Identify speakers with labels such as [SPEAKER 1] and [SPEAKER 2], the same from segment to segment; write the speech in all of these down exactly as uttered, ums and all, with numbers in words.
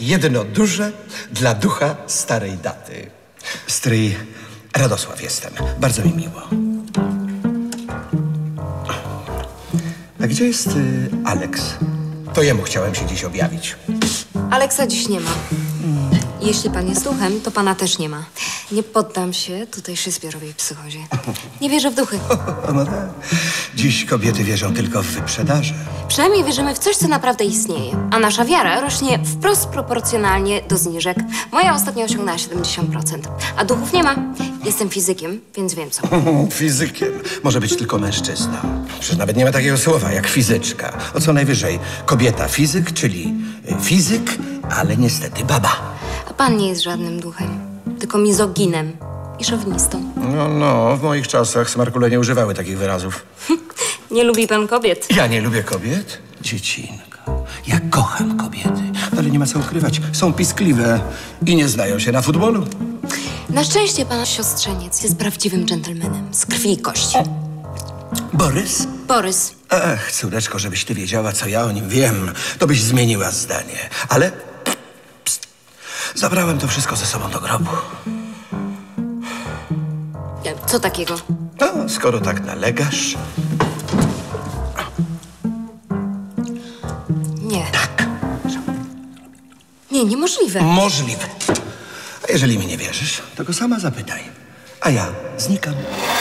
[SPEAKER 1] Jedno duże dla ducha starej daty. Stryj Radosław jestem. Bardzo mi miło. A gdzie jest y, Aleks? To jemu chciałem się dziś objawić.
[SPEAKER 2] Aleksa dziś nie ma. Jeśli pan jest duchem, to pana też nie ma. Nie poddam się tutejszej zbiorowej psychozie. Nie wierzę w duchy.
[SPEAKER 1] No tak. Dziś kobiety wierzą tylko w wyprzedaże.
[SPEAKER 2] Przynajmniej wierzymy w coś, co naprawdę istnieje. A nasza wiara rośnie wprost proporcjonalnie do zniżek. Moja ostatnio osiągnęła siedemdziesiąt procent. A duchów nie ma. Jestem fizykiem, więc wiem co.
[SPEAKER 1] Fizykiem może być tylko mężczyzna. Przecież nawet nie ma takiego słowa jak fizyczka. O co najwyżej kobieta fizyk, czyli fizyk, ale niestety baba.
[SPEAKER 2] A pan nie jest żadnym duchem, tylko mizoginem i szowinistą.
[SPEAKER 1] No, no, w moich czasach smarkule nie używały takich wyrazów.
[SPEAKER 2] Nie lubi pan kobiet?
[SPEAKER 1] Ja nie lubię kobiet? Dziecinko, ja kocham kobiety, ale nie ma co ukrywać. Są piskliwe i nie znają się na futbolu.
[SPEAKER 2] Na szczęście pan siostrzeniec jest prawdziwym dżentelmenem, z krwi i kości.
[SPEAKER 1] Borys?
[SPEAKER 2] Borys.
[SPEAKER 1] Ach, córeczko, żebyś ty wiedziała, co ja o nim wiem, to byś zmieniła zdanie. Ale pst, zabrałem to wszystko ze sobą do grobu.
[SPEAKER 2] Co takiego?
[SPEAKER 1] No, skoro tak nalegasz...
[SPEAKER 2] Nie.
[SPEAKER 1] Tak.
[SPEAKER 2] Nie, niemożliwe.
[SPEAKER 1] Możliwe. A jeżeli mi nie wierzysz, to go sama zapytaj. A ja znikam.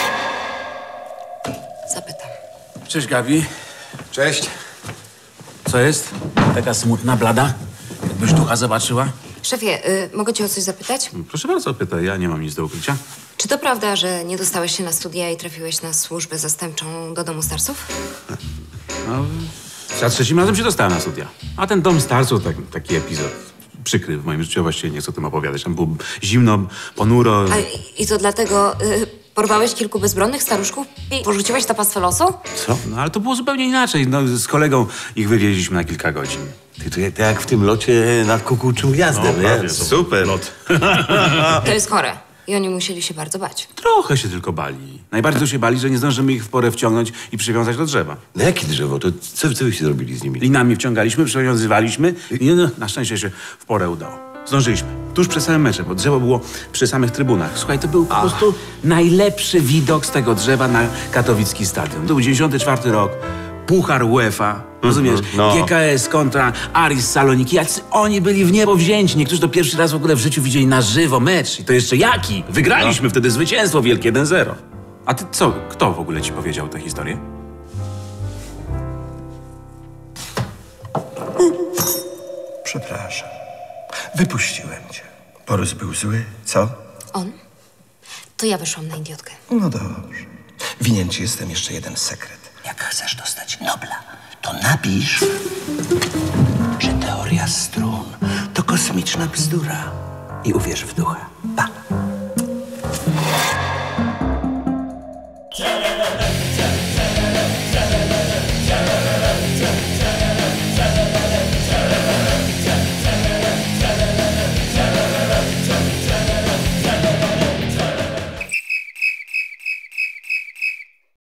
[SPEAKER 2] Zapytam.
[SPEAKER 3] Cześć, Gabi.
[SPEAKER 4] Cześć.
[SPEAKER 3] Co jest? Taka smutna, blada? Jakbyś ducha zobaczyła?
[SPEAKER 2] Szefie, y, mogę cię o coś zapytać?
[SPEAKER 3] Proszę bardzo, pytaj. Ja nie mam nic do ukrycia.
[SPEAKER 2] Czy to prawda, że nie dostałeś się na studia i trafiłeś na służbę zastępczą do domu starców?
[SPEAKER 3] No, za trzecim razem się dostałem na studia. A ten dom starców, tak, taki epizod przykry w moim życiu. Ja właściwie nie chcę o tym opowiadać. Tam było zimno, ponuro.
[SPEAKER 2] A, I to dlatego y, porwałeś kilku bezbronnych staruszków i porzuciłeś na pastwę losu?
[SPEAKER 3] Co? No ale to było zupełnie inaczej. No, z kolegą ich wywieźliśmy na kilka godzin.
[SPEAKER 4] Ty to jak, jak w tym locie nad kukułczym gniazdem,
[SPEAKER 3] No,
[SPEAKER 4] nie?
[SPEAKER 3] prawie, to
[SPEAKER 4] Super.
[SPEAKER 3] Lot.
[SPEAKER 2] To jest chore. I oni musieli się bardzo bać.
[SPEAKER 3] Trochę się tylko bali. Najbardziej to się bali, że nie zdążymy ich w porę wciągnąć i przywiązać do drzewa.
[SPEAKER 4] No jakie drzewo? To co, co wyście zrobili z nimi?
[SPEAKER 3] Linami wciągaliśmy, przywiązywaliśmy i no, na szczęście się w porę udało. Zdążyliśmy. Tuż przed samym meczem, bo drzewo było przy samych trybunach. Słuchaj, to był po prostu najlepszy widok z tego drzewa na katowicki stadion. To był dziewięćdziesiąty czwarty rok, Puchar UEFA, rozumiesz?
[SPEAKER 4] no.
[SPEAKER 3] G K S kontra Aris Saloniki. Jacy oni byli w niebo wzięci. Niektórzy to pierwszy raz w ogóle w życiu widzieli na żywo mecz. I to jeszcze jaki? Wygraliśmy wtedy zwycięstwo wielkie jeden zero. A ty co? Kto w ogóle ci powiedział tę historię?
[SPEAKER 1] Przepraszam. Wypuściłem cię. Borys był zły, co?
[SPEAKER 2] On? To ja wyszłam na idiotkę.
[SPEAKER 1] No dobrze. Winien ci jestem jeszcze jeden sekret. Jak chcesz dostać Nobla, to napisz, że teoria strun to kosmiczna bzdura i uwierz w ducha.